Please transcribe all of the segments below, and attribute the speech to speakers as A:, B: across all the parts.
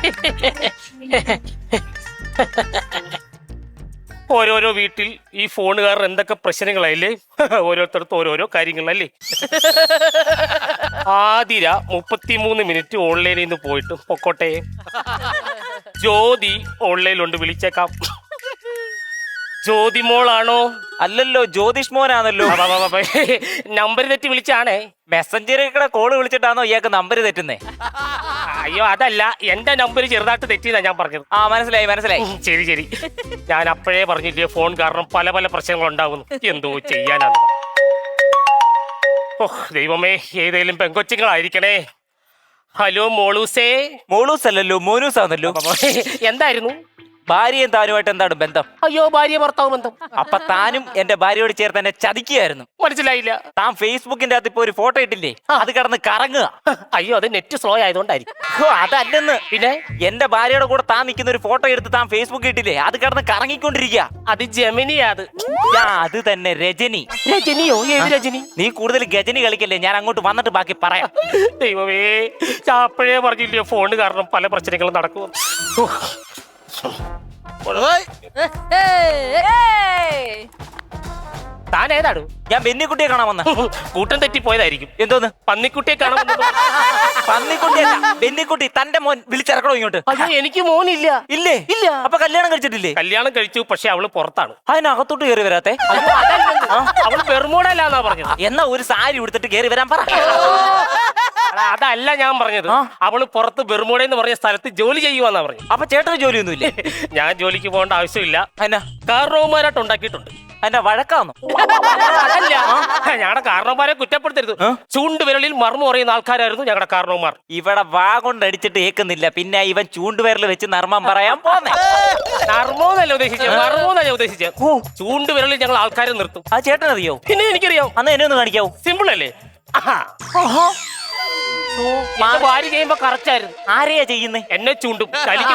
A: ഓരോരോ വീട്ടിൽ ഈ ഫോണുകാരൻ എന്തൊക്കെ പ്രശ്നങ്ങളായില്ലേ, ഓരോരുത്തർക്കും ഓരോരോ കാര്യങ്ങളല്ലേ. ആതിര 33 മിനിറ്റ് ഓൺലൈനിൽ നിന്ന് പോയിട്ട് പൊക്കോട്ടെ. ജ്യോതി ഓൺലൈനിലുണ്ട്, വിളിച്ചേക്കാം. ജ്യോതി മോളാണോ?
B: അല്ലല്ലോ, ജ്യോതിഷ് മോനാണല്ലോ.
A: നമ്പർ തെറ്റി വിളിച്ചാണേ.
B: മെസ്സഞ്ചറിൽ കൂടെ കോള് വിളിച്ചിട്ടാണോ ഇയാൾക്ക് നമ്പർ തെറ്റുന്നേ?
A: അയ്യോ അതല്ല, എന്റെ നമ്പർ ചെറുതായിട്ട് തെറ്റിയതാ ഞാൻ പറഞ്ഞത്.
B: ആ മനസ്സിലായി മനസ്സിലായി.
A: ശരി ശരി, ഞാൻ അപ്പോഴേ പറഞ്ഞില്ലേ ഫോൺ കാരണം പല പല പ്രശ്നങ്ങൾ ഉണ്ടാകുന്നു. എന്തോ ചെയ്യാനാണ്. ഓ ദൈവമേ, ഏതെങ്കിലും പെങ്കൊച്ചുങ്ങളായിരിക്കണേ. ഹലോ മോളൂസേ.
B: മോളൂസ് അല്ലല്ലോ, മോനൂസ് ആണല്ലോ.
A: എന്തായിരുന്നു?
B: ഭാര്യയും താനുമായിട്ട് എന്താണ് ബന്ധം?
A: അയ്യോ, ഭാര്യ ഭർത്താവ് ബന്ധം.
B: അപ്പൊ താനും എന്റെ ഭാര്യയോട് ചേർത്ത് എന്നെ ചതിക്കുകയായിരുന്നു.
A: മനസ്സിലായില്ല.
B: താൻ ഫേസ്ബുക്കിന്റെ അകത്ത് ഇപ്പൊ ഒരു ഫോട്ടോ ഇട്ടില്ലേ, അത് കിടന്ന് കറങ്ങുക.
A: അയ്യോ, അത് നെറ്റ് സ്ലോ ആയതുകൊണ്ടായിരിക്കും.
B: അതല്ലെന്ന്.
A: പിന്നെ
B: എന്റെ ഭാര്യയുടെ കൂടെ താൻ നിൽക്കുന്ന ഒരു ഫോട്ടോ എടുത്ത് താൻ ഫേസ്ബുക്കിൽ ഇട്ടില്ലേ, അത് കിടന്ന് കറങ്ങിക്കൊണ്ടിരിക്കുക.
A: അത് ജെമിനിയാ.
B: അത് തന്നെ രജനി.
A: രജനിയോ? ഏത് രജനി?
B: നീ കൂടുതൽ ഗജനി കളിക്കല്ലേ, ഞാൻ അങ്ങോട്ട് വന്നിട്ട് ബാക്കി പറയാം.
A: ദൈവമേ, ഞാൻ അപ്പോഴേ പറഞ്ഞില്ലേ ഫോണ് കാരണം പല പ്രശ്നങ്ങളും നടക്കും. താൻ ഏതാടു?
B: ഞാൻ ബെന്നിക്കുട്ടിയെ കാണാൻ വന്ന.
A: കൂട്ടം തെറ്റിപ്പോയതായിരിക്കും.
B: എന്തോന്ന്?
A: പന്നിക്കുട്ടിയെ കാണാൻ.
B: പന്നിക്കുട്ടിയല്ല, ബെന്നിക്കുട്ടി. തന്റെ മോൻ വിളിച്ചിറക്കണോ ഇങ്ങോട്ട്?
A: അയ്യോ, എനിക്ക് മോനില്ല.
B: ഇല്ലേ?
A: ഇല്ല.
B: അപ്പൊ കല്യാണം കഴിച്ചിട്ടില്ലേ?
A: കല്യാണം കഴിച്ചു, പക്ഷെ അവള് പുറത്താണ്.
B: അതിനകത്തോട്ട് കയറി വരാത്തെ?
A: അവള് ബെർമൂഡല്ലാന്നാ പറഞ്ഞത്.
B: എന്നാ ഒരു സാരി ഉടുത്തിട്ട് കയറി വരാൻ പറ.
A: അതല്ല ഞാൻ പറഞ്ഞത്. അവള് പുറത്ത് ബെർമൂഡ പറഞ്ഞ സ്ഥലത്ത് ജോലി ചെയ്യുവാന്നാ പറഞ്ഞു.
B: അപ്പൊ ചേട്ടന് ജോലിയൊന്നുമില്ലേ?
A: ഞാൻ ജോലിക്ക് പോകേണ്ട ആവശ്യമില്ല.
B: എന്നാ
A: കാരണവന്മാരായിട്ട് ഉണ്ടാക്കിയിട്ടുണ്ട്.
B: എന്നെ വഴക്കാന്നോ?
A: അതല്ല, ഞങ്ങളുടെ കാരണവന്മാരെ കുറ്റപ്പെടുത്തരുത്. ചൂണ്ടുവിരലിൽ മർമ്മം അറിയുന്ന ആൾക്കാരായിരുന്നു ഞങ്ങളുടെ കാരണവന്മാർ.
B: ഇവിടെ വാ കൊണ്ടടിച്ചിട്ട് ഏക്കുന്നില്ല, പിന്നെ ഇവൻ ചൂണ്ടുവിരൽ വെച്ച് നർമ്മം പറയാൻ പോന്നെ.
A: നർമ്മോന്നല്ല ഉദ്ദേശിച്ചത്, മർമ്മോന്നല്ല ഉദ്ദേശിച്ചത്. ചൂണ്ടുവിരലിൽ ഞങ്ങൾ ആൾക്കാരെ നിർത്തും.
B: ആ ചേട്ടനറിയോ?
A: പിന്നെ എനിക്കറിയാം.
B: അന്ന് എന്നെ ഒന്ന് കാണിക്കാവൂ.
A: സിമ്പിൾ അല്ലേ? ഭാര്യ ചെയ്യുമ്പോ കറക്റ്റായിരുന്നു.
B: ആരെയാ ചെയ്യുന്നേ?
A: എന്നെ ചൂണ്ടും.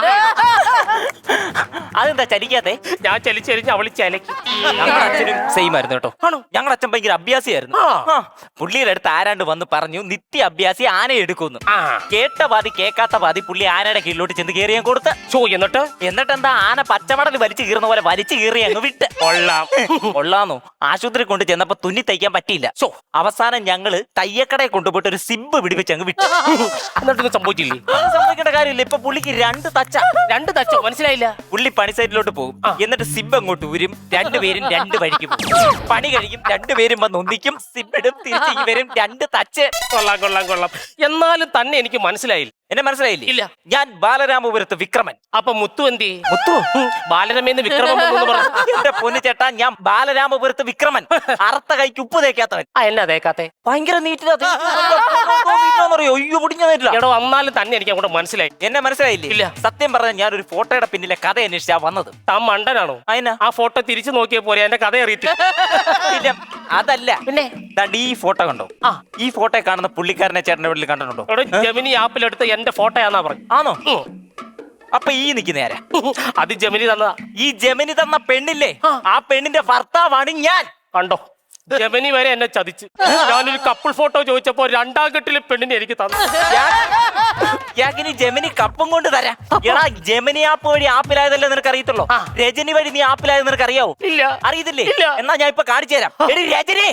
B: അതെന്താ ചലിക്കാത്തെ?
A: ഞാൻ ചലിച്ചരിഞ്ഞ് അവള് ചലക്കും.
B: ഞങ്ങളുടെ അച്ഛനും സെയിം ആയിരുന്നു കേട്ടോ.
A: ആണോ?
B: ഞങ്ങളുടെ അച്ഛൻ ഭയങ്കര അഭ്യാസിയായിരുന്നു. പുള്ളിയുടെ അടുത്ത് ആരാണ്ട് വന്ന് പറഞ്ഞു, നിത്യ അഭ്യാസി ആന എടുക്കുന്നു. കേട്ട പാതി കേൾക്കാത്ത പാതി പുള്ളി ആനയുടെ കീഴിലോട്ട് ചെന്ന് കയറി ഞാൻ കൊടുത്ത്. എന്നിട്ട് എന്താ, ആന പച്ചമടൽ വലിച്ചു കീറുന്ന പോലെ വലിച്ചു കീറി അങ്ങ് വിട്ട്. കൊള്ളാന്നോ? ആശുപത്രി കൊണ്ട് ചെന്നപ്പോ തുന്നി തയ്ക്കാൻ പറ്റിയില്ല. അവസാനം ഞങ്ങള് തയ്യക്കടയെ കൊണ്ടുപോയിട്ട് ഒരു സിബ് പിടിപ്പിച്ച് അങ്ങ് വിട്ടു.
A: എന്നിട്ടൊന്നും സംഭവിച്ചില്ലേ?
B: സംഭവിക്കേണ്ട കാര്യമില്ല. ഇപ്പൊ പുള്ളിക്ക് രണ്ട് തച്ചോ?
A: മനസ്സിലായില്ല.
B: പുള്ളി പണി സൈറ്റിലോട്ട് പോകും, എന്നിട്ട് സിബ് അങ്ങോട്ട് ഊരും, രണ്ടുപേരും രണ്ട് വഴിക്ക് പോകും. പണി കഴിക്കും, രണ്ടുപേരും വന്ന് ഒന്നിക്കും, സിബിടും, തിരിച്ചു വരും, രണ്ട് തച്ച്.
A: കൊള്ളാം. എന്നാലും തന്നെ എനിക്ക് മനസ്സിലായില്ല.
B: എന്നെ മനസ്സിലായില്ലേ?
A: ഇല്ല.
B: ഞാൻ ബാലരാമപുരത്ത് വിക്രമൻ.
A: അപ്പൊ മുത്തു എന്തി?
B: മുത്തു
A: ബാലരമേന്ന് വിക്രമൻ
B: എന്റെ പൊന്നു ചേട്ടാ, ഞാൻ ബാലരാമപുരത്ത് വിക്രമൻ. അറുത്ത കൈക്ക് ഉപ്പ് തേക്കാത്തവൻ.
A: എന്നാ തേക്കാത്തെ?
B: ഭയങ്കര നീറ്റിലറിയോ? അയ്യോ പൊടിഞ്ഞില്ല.
A: എടോ, വന്നാലും തന്നെ എനിക്ക് അങ്ങോട്ട് മനസ്സിലായി.
B: എന്നെ മനസ്സിലായില്ലേ?
A: ഇല്ല.
B: സത്യം പറഞ്ഞ ഞാൻ ഒരു ഫോട്ടോയുടെ പിന്നിലെ കഥ അന്വേഷിച്ചാ വന്നത്.
A: താൻ മണ്ടനാണോ?
B: അതിനാ
A: ആ ഫോട്ടോ തിരിച്ചു നോക്കിയ പോലെ എന്റെ കഥ അറിയത്തില്ല.
B: അതല്ല, പിന്നെ ഈ ഫോട്ടോ കണ്ടോ? ഈ ഫോട്ടോ കാണുന്ന പുള്ളിക്കാരനെ ചേട്ടന്റെ വീട്ടിൽ കണ്ടിട്ടുണ്ടോ?
A: ജെമിനി ആപ്പിലെടുത്ത് എന്റെ ഫോട്ടോയാന്നാ പറഞ്ഞു.
B: ആണോ? അപ്പൊ ഈ നിൽക്കുന്ന ആരാ?
A: അത് ജെമിനി തന്നതാ.
B: ഈ ജെമിനി തന്ന പെണ്ണില്ലേ, ആ പെണ്ണിന്റെ ഭർത്താവാണ് ഞാൻ.
A: കണ്ടോ, ജെമിനി വരെ എന്നെ ചതിച്ച്. ഞാനൊരു കപ്പിൾ ഫോട്ടോ ചോദിച്ചപ്പോ 2-ാം കെട്ടില് പെണ്ണിനെ എനിക്ക് തന്നു.
B: ഇനി ജെമിനി കപ്പും കൊണ്ട് തരാം. എടാ, ജെമിനി ആപ്പ് വഴി ആപ്പിലായതല്ലേ നിനക്ക് അറിയത്തുള്ളൂ. രജനി വഴി നീ ആപ്പിലായത് നിനക്ക് അറിയാവോ?
A: ഇല്ല.
B: അറിയത്തില്ലേ? എന്നാ ഞാൻ ഇപ്പൊ കാണിച്ചു തരാം. എടി രജനിയെ,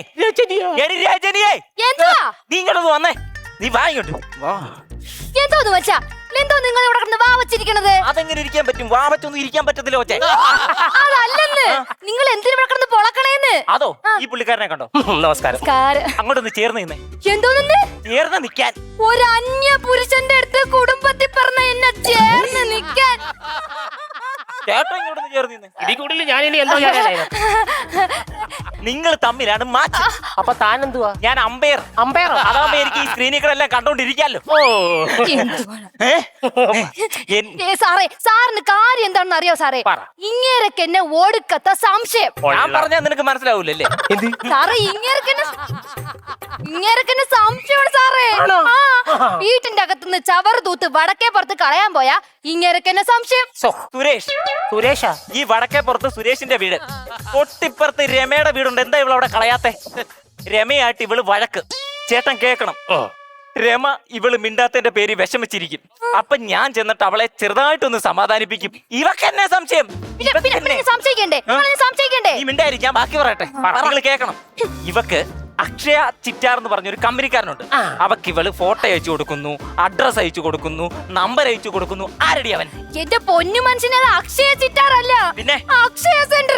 B: നീ ഇങ്ങോട്ട് വന്നേ. നീ വാ ഇങ്ങോട്ട് വാ.
C: എന്തോന്ന് വെച്ചാ എന്തോ നിങ്ങൾ ഇവിടെ കിടന്ന് വാ വെച്ചിരിക്കണത്?
B: അതെങ്ങനെ ഇരിക്കാൻ പറ്റും? വാ വെച്ചൊന്നും ഇരിക്കാൻ പറ്റത്തില്ല ഒച്ചേ.
C: അതല്ലെന്ന്, നിങ്ങൾ എന്തിനു ഇവിടെ കിടന്ന് പൊളക്കണേന്ന്.
B: അതോ? ഈ പുള്ളിക്കാരനെ കണ്ടോ?
A: നമസ്കാരം.
B: അങ്ങോട്ടൊന്ന് ചേർന്ന് നിന്നേ.
C: എന്തോന്ന്?
B: ചേർന്ന് നിക്കാൻ.
C: ഒരു അന്യ പുരുഷന്റെ അടുത്ത് കുടുംബത്തിൽ പറഞ്ഞ എന്നെ ചേർന്ന് നിക്കാൻ.
B: ചേട്ടൻ ഇങ്ങോട്ടൊന്ന് ചേർന്ന് നിന്നേ.
A: ഇതിൽ കൂടുതൽ ഞാൻ ഇനി എന്തോ ചെയ്യാനായിരുന്നു?
B: നിങ്ങൾ തമ്മിലാണ് മാച്ച്.
A: അപ്പൊ താൻ എന്തുവാ?
B: ഞാൻ അമ്പയർ. അതാവുമ്പോ എനിക്ക് ഈ സ്ക്രീനുകളെല്ലാം കണ്ടോണ്ടിരിക്കാലോ.
C: സാറിന് കാര്യം എന്താണെന്ന് അറിയോ സാറേ? ഇങ്ങേരക്ക് എന്നെ ഓടുക്കത്ത സംശയം.
B: ഞാൻ പറഞ്ഞാൽ നിനക്ക് മനസ്സിലാവൂലല്ലേ?
C: സാറേ, ഇങ്ങേരക്ക് സംശയമാണ് സാറേ. വീട്ടിന്റെ അകത്തുനിന്ന് ചവറ് തൂത്ത് വടക്കേ പുറത്ത് കളയാൻ പോയാ ഇങ്ങേരക്ക് എന്നെ സംശയം.
A: സുരേഷാ?
B: ഈ വടക്കേ പുറത്ത് സുരേഷിന്റെ വീട്, തൊട്ടിപ്പുറത്ത് രമയുടെ വീടുണ്ട്. എന്താ ഇവളവിടെ കളയാത്തെ? രമയായിട്ട് ഇവള് വഴക്ക്. ചേട്ടൻ കേക്കണം. രമ ഇവള് മിണ്ടാത്തതിന്റെ പേര് വിഷമിച്ചിരിക്കും. അപ്പൊ ഞാൻ ചെന്നിട്ട് അവളെ ചെറുതായിട്ടൊന്ന് സമാധാനിപ്പിക്കും. ഇവക്ക് എന്നെ സംശയം.
C: സംശയിക്കണ്ടേ?
B: ഈ മിണ്ടായിരിക്കും, ഞാൻ ബാക്കി പറയട്ടെ, നിങ്ങൾ കേൾക്കണം. ഇവക്ക് അക്ഷയ ചിറ്റാർ എന്ന് പറഞ്ഞൊരു കമ്പനിക്കാരനുണ്ട്. അവക്ക് ഇവള് ഫോട്ടോ അയച്ചു കൊടുക്കുന്നു, അഡ്രസ് അയച്ചു കൊടുക്കുന്നു, നമ്പർ അയച്ചു കൊടുക്കുന്നു. ആരടി അവൻ?
C: എന്റെ പൊന്നു മനുഷ്യനെ, അത് അക്ഷയ ചിറ്റാറല്ല,
B: പിന്നെ
C: അക്ഷയ സെന്റർ.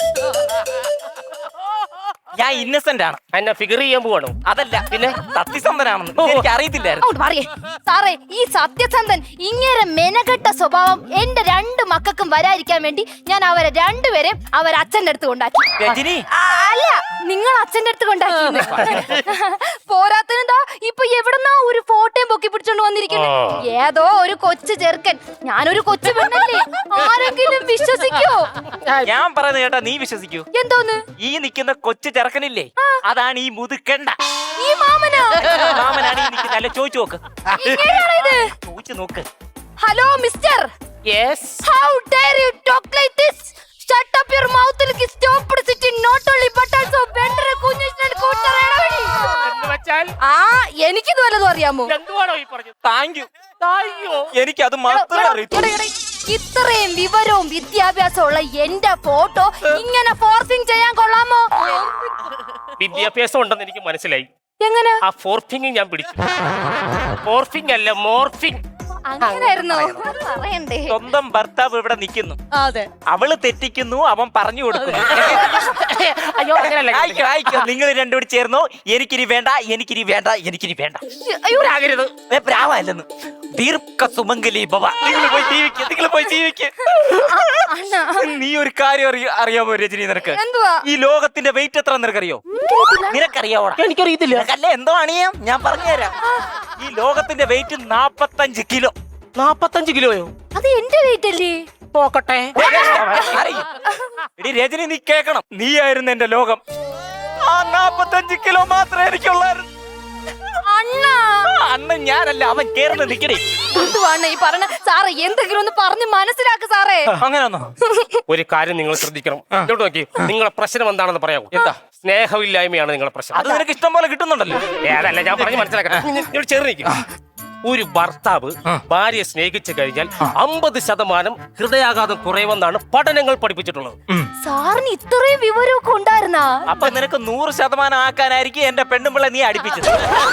B: ഞാൻ ഇന്നസെന്റ് ആണ്.
A: എന്നെ ഫിഗർ ചെയ്യാൻ പോവാണോ?
B: അതല്ല, പിന്നെ സത്യസന്ധനാണെന്ന് എനിക്ക് അറിയത്തില്ലായിരുന്നു.
C: സാറേ, ഈ സത്യസന്ധൻ ഇങ്ങനെ മെനക്കെട്ട സ്വഭാവം എന്റെ 2 മക്കൾക്കും വരാതിരിക്കാൻ വേണ്ടി ഞാൻ അവരെ 2 പേരെയും അച്ഛന്റെ അടുത്ത് കൊണ്ടാക്കി.
B: രജനി,
C: അല്ല, നിങ്ങൾ അച്ഛന്റെ അടുത്ത് കൊണ്ടാക്കി. പോരാത്തനെന്താ ഇപ്പൊ എവിടെന്നാ ഒരു ഫോട്ടോയും പൊക്കി പിടിച്ചോണ്ട് വന്നിരിക്കുന്നു. ഏതോ ഒരു കൊച്ചു ചെറുക്കൻ. ഞാനൊരു കൊച്ചു പെണ്ണല്ലേ, ആരെങ്കിലും വിശ്വസിക്കോ?
B: ഞാൻ പറയുന്നത് കേട്ടാ നീ വിശ്വസിക്കൂ.
C: എന്തോന്ന്?
B: ഈ നിൽക്കുന്ന കൊച്ചു ചെറുക്കനില്ലേ, അതാണ് ഈ മുതുക്കണ്ട.
C: ഈ
B: മാമനാണ് ഈ നിൽക്കുന്നത്. അല്ല, ചോദിച്ചു നോക്ക്, ചോദിച്ചു നോക്ക്.
C: Hello mister,
A: yes,
C: how dare you talk like this? Shut up your mouth and stop sitting not only but also better Kunhishnan കൂട്ടറേടവടി.
A: എന്ന് വെച്ചാൽ
C: എനിക്കിത് വല്ലതും അറിയാമോ?
A: എന്തുവാണോ ഈ പറഞ്ഞത്?
B: Thank you.
A: അയ്യോ,
B: എനിക്ക് അത് മാത്രമേ അറിയൂ.
C: ഇത്രയും വിവരവും വിദ്യാഭ്യാസമുള്ള എന്റെ ഫോട്ടോ ഇങ്ങനെ ഫോർസിങ് ചെയ്യാൻ കൊള്ളാമോ?
A: വിദ്യാഭ്യാസം ഉണ്ടെന്ന് എനിക്ക് മനസ്സിലായി.
C: എങ്ങനെ?
A: ആ ഫോർഫിംഗ് ഞാൻ പിടിച്ചു. ഫോർഫിംഗ് അല്ല, മോർഫിംഗ്.
C: അങ്ങനെയായിരുന്നോ? പറയണ്ടേ?
B: സ്വന്തം ഭർത്താവ് ഇവിടെ നിൽക്കുന്നു, അവള് തെറ്റിക്കുന്നു, അവൻ പറഞ്ഞു കൊടുക്കുന്നു.
A: അയ്യോ, അങ്ങനെയല്ല.
B: നിങ്ങൾ രണ്ടുകൂടി ചേർന്നോ, എനിക്കിനി വേണ്ട, എനിക്കിനി വേണ്ട, എനിക്കിനി വേണ്ട.
A: ആകരുത്,
B: പ്രാവല്ലെന്ന്. ദീർഘ സുമംഗലി ഭവ. നിങ്ങൾ പോയി ജീവിക്ക്, നിങ്ങൾ പോയി ജീവിക്ക്. നീ ഒരു കാര്യം അറിയാമോ രജനി? നിനക്ക് ഈ ലോകത്തിന്റെ വെയിറ്റ് എത്ര നിനക്കറിയോ? നിനക്കറിയാവോ?
A: എനിക്കറിയത്തില്ല.
B: അല്ലേ, എന്തോ അണിയാം, ഞാൻ പറഞ്ഞുതരാം. ഈ ലോകത്തിന്റെ വെയിറ്റ് 45 കിലോ.
A: 45 കിലോയോ?
C: അത് എന്റെ വെയിറ്റ് അല്ലേ?
A: നോക്കട്ടെ.
B: എടി രജനി, നീ കേക്കണം, നീയായിരുന്നു എന്റെ ലോകം. ആ 45 കിലോ മാത്രമേ എനിക്കുള്ളായിരുന്നു. അന്ന് ഞാനല്ല, അവൻ കേറുന്ന നിക്കടി.
C: എന്തുവാണ് ഈ പറഞ്ഞ? സാറേ, എന്തെങ്കിലും ഒന്ന് പറഞ്ഞ് മനസ്സിലാക്ക് സാറേ.
B: അങ്ങനെയൊന്നോ?
A: ഒരു കാര്യം നിങ്ങൾ ശ്രദ്ധിക്കണം. ഇങ്ങോട്ട് നോക്കി, നിങ്ങളെ പ്രശ്നം എന്താണെന്ന് പറയാമോ? എന്താ? സ്നേഹമില്ലായ്മയാണ് നിങ്ങളുടെ പ്രശ്നം.
B: അത് നിനക്ക് ഇഷ്ടം പോലെ കിട്ടുന്നുണ്ടല്ലോ.
A: അതല്ല, ഞാൻ പറഞ്ഞ് മനസ്സിലാക്കട്ടെ. ചെറുനിക്ക് ഒരു ഭർത്താവ് ഭാര്യയെ സ്നേഹിച്ചു കഴിഞ്ഞാൽ 50% ഹൃദയാഘാതം കുറയുമെന്നാണ് പഠനങ്ങൾ പഠിപ്പിച്ചിട്ടുള്ളത്.
C: സാറിന് ഇത്രയും വിവരമൊക്കെ ഉണ്ടായിരുന്നാ?
B: അപ്പൊ നിനക്ക് 100% ആക്കാനായിരിക്കും എന്റെ പെണ്ണുമ്പിള്ള നീ അടിപ്പിച്ചത്.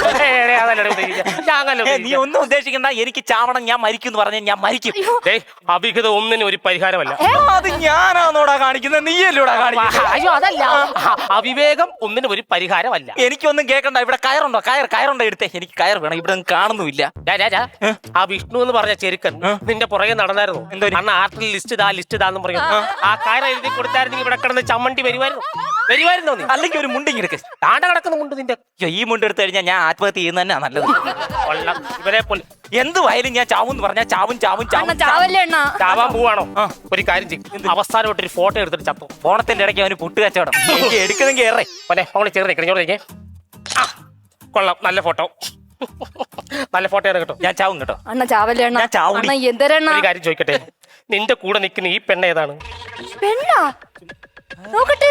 B: നീ ഒന്നും ഉദ്ദേശിക്കണ്ട, എനിക്ക് ചാവണം, ഞാൻ മരിക്കും എന്ന് പറഞ്ഞാൽ ഞാൻ മരിക്കും.
A: അവിഹിതം ഒന്നിനും ഒരു പരിഹാരമല്ല.
B: അത് ഞാനാന്നോടാ കാണിക്കുന്നത്, നീയല്ലോടാ കാണിക്കുന്നത്.
A: അയ്യോ, അതല്ല, അവിവേകം ഒന്നിനും ഒരു പരിഹാരമല്ല.
B: എനിക്കൊന്നും കേൾക്കണ്ട. ഇവിടെ കയറുണ്ടോ? കയറുണ്ടോ? എടുത്തേ, എനിക്ക് കയർ വേണം. ഇവിടെ കാണുന്നുമില്ല.
A: ആ വിഷ്ണു എന്ന് പറഞ്ഞ ചെറുക്കൻ നിന്റെ പുറകെ നടന്നായിരുന്നു. അന്ന് ആർട്ടിൽ ലിസ്റ്റ് ഇതാന്ന് പറയും. ആ കാര്യം എഴുതി കൊടുത്തായിരുന്നു, ഇവിടെ കിടന്ന് ചമ്മണ്ടി വരുമായിരുന്നോ നീ?
B: അല്ലെങ്കിൽ ഒരു മുണ്ടിങ് എടുക്ക്.
A: താണ്ട കിടക്കുന്ന മുണ്ട് നിന്റെ.
B: ഈ മുണ്ട് എടുത്തു കഴിഞ്ഞാൽ ഞാൻ ആത്മഹത്യ ചെയ്യുന്ന തന്നെ നല്ലത്.
A: ഇവരെ പോലെ
B: എന്തുവായാലും ഞാൻ ചാവും എന്ന് പറഞ്ഞാൽ
C: ചാവാൻ
A: പോവാണോ? ഒരു കാര്യം ചെയ്യും, അവസാനമായിട്ട് ഒരു ഫോട്ടോ എടുത്തിട്ട് ചത്തു.
B: ഫോണത്തിന്റെ ഇടയ്ക്ക് അവന് പുട്ട് കച്ചവടം. എടുക്കുന്നെങ്കിൽ ഏറെ
A: അവളെ ചേർന്നേക്കേ. കൊള്ളാം, നല്ല ഫോട്ടോ, നല്ല ഫോട്ടോ ആണ് കേട്ടോ.
B: ഞാൻ ചാവും കേട്ടോ.
C: അണ്ണ ചാവല്ലേ?
A: ഒരു കാര്യം ചോദിക്കട്ടെ, നിന്റെ കൂടെ നിൽക്കുന്ന ഈ പെണ്ണ ഏതാണ്?
C: പെണ്ണാ? നോക്കട്ടെ,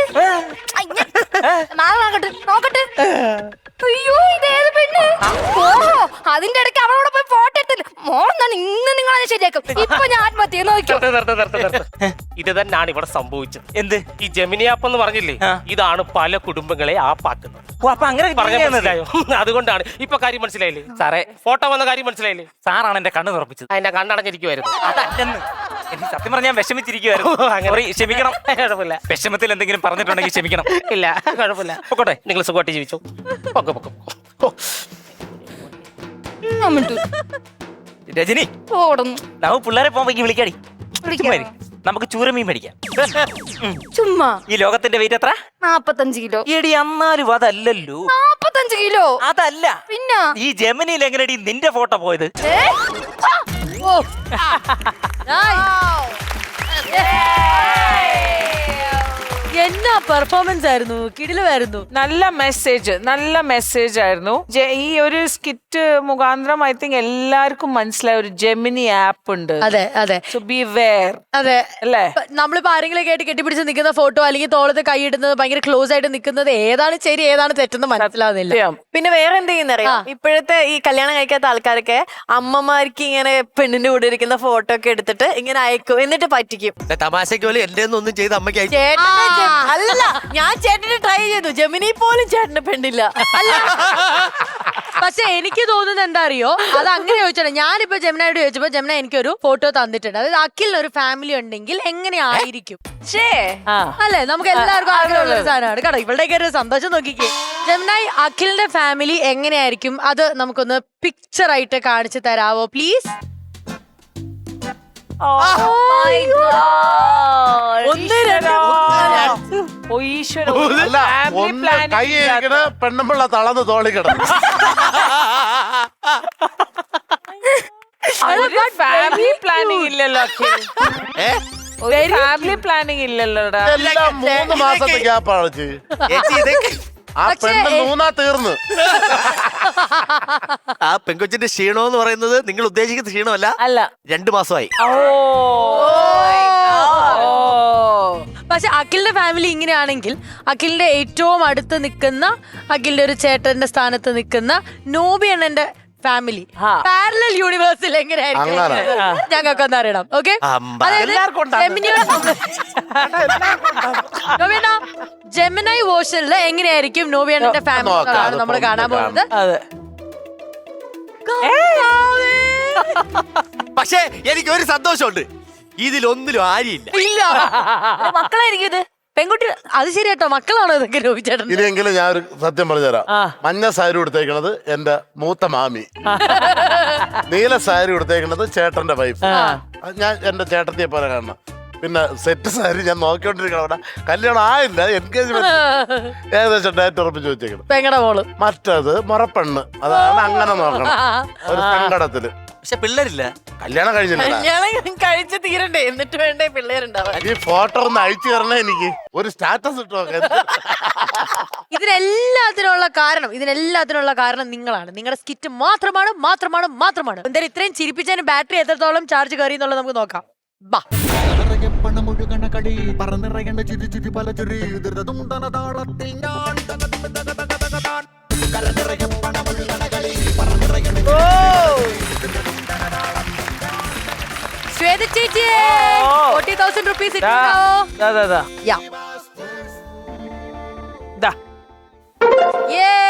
C: നോക്കട്ടെ. അയ്യോ, ഇതേത് പെണ്ണ്? ഓഹോ, അതിന്റെ ഇടയ്ക്ക് അവളോട് പോയി ഫോട്ടോ എടുത്തില്ല. മോന്നാണ് ഇന്ന് നിങ്ങളെ ശരിയാക്കും. ഇപ്പൊ ഞാൻ ആത്മഹത്യ നോക്കി.
A: ഇത് തന്നെയാണ് ഇവിടെ സംഭവിച്ചത്.
B: എന്ത്?
A: ഈ ജെമിനി ആപ്പ് എന്ന് പറഞ്ഞില്ലേ, ഇതാണ് പല കുടുംബങ്ങളെ ആപ്പാക്കുന്നത്.
B: അപ്പൊ അങ്ങനെ
A: മനസ്സിലായോ? അതുകൊണ്ടാണ് ഇപ്പൊ കാര്യം മനസ്സിലായില്ലേ
B: സാറേ?
A: ഫോട്ടോ വന്ന കാര്യം മനസ്സിലായില്ലേ?
B: സാറാണ് എന്റെ കണ്ണ് തുറപ്പിച്ചത്.
A: എന്റെ കണ്ണടഞ്ഞിരിക്കുവായിരുന്നു.
B: അതല്ലെന്ന്, എനിക്ക് സത്യം പറഞ്ഞാൽ വിഷമിച്ചിരിക്കുവായിരുന്നു. ക്ഷമിക്കണം.
A: കുഴപ്പമില്ല.
B: വിഷമത്തിൽ എന്തെങ്കിലും പറഞ്ഞിട്ടുണ്ടെങ്കിൽ ക്ഷമിക്കണം.
A: ഇല്ല, കുഴപ്പമില്ല. പൊക്കോട്ടെ, നിങ്ങൾ സുഖമായിട്ട് ജീവിച്ചു.
B: രജനി, നമുക്ക് പിള്ളേരെ പോകുമ്പോ വിളിക്കാടി. നമുക്ക് ചൂരമീൻ മേടിക്കാം.
C: ചുമ്മാ.
B: ഈ ലോകത്തിന്റെ വെയിറ്റ് എത്ര?
C: 45 കിലോ.
B: എടി, എന്നാലും അതല്ലല്ലോ.
C: 45 കിലോ
B: അതല്ല.
C: പിന്നെ
B: ഈ ജെമിനിയിൽ എങ്ങനെയാടി നിന്റെ ഫോട്ടോ പോയത്?
D: എന്നാ പെർഫോമൻസ് ആയിരുന്നു, കിടിലമായിരുന്നു.
E: നല്ല മെസ്സേജ് ആയിരുന്നു. ഈ ഒരു സ്കിറ്റ് മുഖാന്തരം ഐ തിങ്ക് എല്ലാവർക്കും മനസ്സിലായ ഒരു ജെമിനി ആപ്പ് ഉണ്ട്.
D: അതെ അതെ
E: സോ ബി വെയർ
D: അതെ
E: അല്ലേ.
D: നമ്മളിപ്പോ ആരെങ്കിലും കേട്ട് കെട്ടിപ്പിടിച്ച് നിൽക്കുന്ന ഫോട്ടോ അല്ലെങ്കിൽ തോളത്ത് കൈയിടുന്നത് ഭയങ്കര ക്ലോസ് ആയിട്ട് നിൽക്കുന്നത് ഏതാണ് ശരി ഏതാണ് തെറ്റെന്ന് മനസ്സിലാവുന്നില്ല.
F: പിന്നെ വേറെ എന്ത് ചെയ്യുന്നറിയാം, ഇപ്പോഴത്തെ ഈ കല്യാണം കഴിക്കാത്ത ആൾക്കാരൊക്കെ അമ്മമാർക്ക് ഇങ്ങനെ പെണ്ണിന്റെ കൂടെ ഇരിക്കുന്ന ഫോട്ടോ ഒക്കെ എടുത്തിട്ട് ഇങ്ങനെ അയക്കും, എന്നിട്ട് പറ്റിക്കും.
G: തമാശക്ക് പോലെ എന്റെ ഒന്നും ചെയ്ത് അമ്മയ്ക്ക് അയച്ചു.
F: അല്ല, ഞാൻ ചേട്ടന് ട്രൈ ചെയ്തു, ജെമിനി പോലും ചേട്ടന് പെണ്ണില്ല.
D: അല്ല പക്ഷെ എനിക്ക് തോന്നുന്നത് എന്താ അറിയോ, അത് അങ്ങനെ ചോദിച്ചാൽ ഞാനിപ്പോ ജമുനയോട് ചോദിച്ചപ്പോ ജമുന എനിക്കൊരു ഫോട്ടോ തന്നിട്ടുണ്ട്. അതായത് അഖിലിന് ഒരു ഫാമിലി ഉണ്ടെങ്കിൽ എങ്ങനെയായിരിക്കും അല്ലെ, നമുക്ക് എല്ലാവർക്കും ആഗ്രഹമുള്ള ഒരു സാധനമാണ്. കേട്ടോ ഇവളുടെയൊക്കെ ഒരു സന്തോഷം നോക്കിക്കേ. ജമുനായി അഖിലിന്റെ ഫാമിലി എങ്ങനെയായിരിക്കും അത് നമുക്കൊന്ന് പിക്ചർ ആയിട്ട് കാണിച്ചു തരാവോ പ്ലീസ്?
H: പെണ്ണുമ്പിള്ള തളന്ന് തോളിക്കിട
E: ഫാമിലി പ്ലാനിങ് ഇല്ലല്ലോ അഖിൽ. Family planning ഇല്ലല്ലോടാ.
H: എല്ലാം 3 മാസത്തെ ഗ്യാപ്പാണ് ആ പെണ്ണ് മൂന്നാ തീർന്ന്.
G: ആ പെങ്കൊച്ചിന്റെ ക്ഷീണം എന്ന് പറയുന്നത് നിങ്ങൾ ഉദ്ദേശിക്കുന്ന ക്ഷീണമല്ല,
E: അല്ല
G: 2 മാസമായി.
D: പക്ഷെ അഖിലിന്റെ ഫാമിലി ഇങ്ങനെയാണെങ്കിൽ അഖിലിന്റെ ഏറ്റവും അടുത്ത് നിൽക്കുന്ന അഖിലിന്റെ ഒരു ചേട്ടന്റെ സ്ഥാനത്ത് നിൽക്കുന്ന നോബി അണ്ണന്റെ ഫാമിലി പാരലൽ യൂണിവേഴ്സിൽ എങ്ങനെയായിരിക്കും ഞങ്ങൾക്ക് ഒന്ന് അറിയണം. ഓക്കെ, ജെമിനൈ വേർഷനിൽ എങ്ങനെയായിരിക്കും നോബി അണ്ണന്റെ ഫാമിലി നമ്മൾ കാണാൻ പോകുന്നത്.
G: പക്ഷേ എനിക്ക് ഒരു സന്തോഷമുണ്ട്, ഇതിലൊന്നിലും ആരിയില്ല.
D: ഇല്ല
F: മക്കളായിരിക്കും ഇത്, പെൺകുട്ടി.
D: അത് ശരിയാട്ടോ, മക്കളാണോ ഇതൊക്കെ നോബി ചേട്ടൻ?
H: ഇനിയെങ്കിലും ഞാൻ ഒരു സത്യം പറഞ്ഞുതരാം. മഞ്ഞ സാരി കൊടുത്തേക്കണത് എന്റെ മൂത്ത മാമി, നീല സാരി കൊടുത്തേക്കണത് ചേട്ടന്റെ വൈഫ്. ഞാൻ എന്റെ ചേട്ടത്തിയെ പോലെ കാണണം. പിന്നെ സെറ്റ് സാരി ഞാൻ നോക്കിക്കൊണ്ടിരിക്കണം. അവിടെ കല്യാണം ആയില്ല, എൻഗേജ്മെന്റ് ഏകദേശം ഡേറ്റ് ഉറപ്പിച്ച് വെച്ചേക്കണം.
D: പെങ്ങടെ മോള്.
H: മറ്റത് മുറപ്പെണ്ണ്, അതാണ് അങ്ങനെ നോക്കണം. ഒരു സങ്കടത്തില്.
G: പക്ഷെ പിള്ളേരില്ല,
H: കല്യാണം കഴിഞ്ഞില്ല.
F: കല്യാണം കഴിച്ച് തീരണ്ടേ, എന്നിട്ട് വേണ്ടേ പിള്ളേരുണ്ടാവാൻ.
H: ഈ ഫോട്ടോ ഒന്ന് അയച്ചു തരണേ എനിക്ക്, ഒരു സ്റ്റാറ്റസ് ഇട്ടോ.
D: ഇതിനെല്ലാത്തിനുള്ള കാരണം നിങ്ങളാണ്. നിങ്ങളുടെ സ്കിറ്റ് മാത്രമാണ്. എന്തായാലും ഇത്രയും ചിരിപ്പിച്ചതിന് ബാറ്ററി എത്രത്തോളം ചാർജ് കയറി എന്നുള്ളത് നമുക്ക് നോക്കാം. ബാ.
I: പണമൊഴുകണ കളി പറന്നിറങ്ങണ ചിരി ചിരി പല ചിരി ദുരിതതുണ്ടന താളത്തിൽ ഞാൻ
D: ശ്വേത ചേച്ചി 40,000 rupees ഇട്ടുണ്ടാവോ?
E: ദാ
D: Yeah.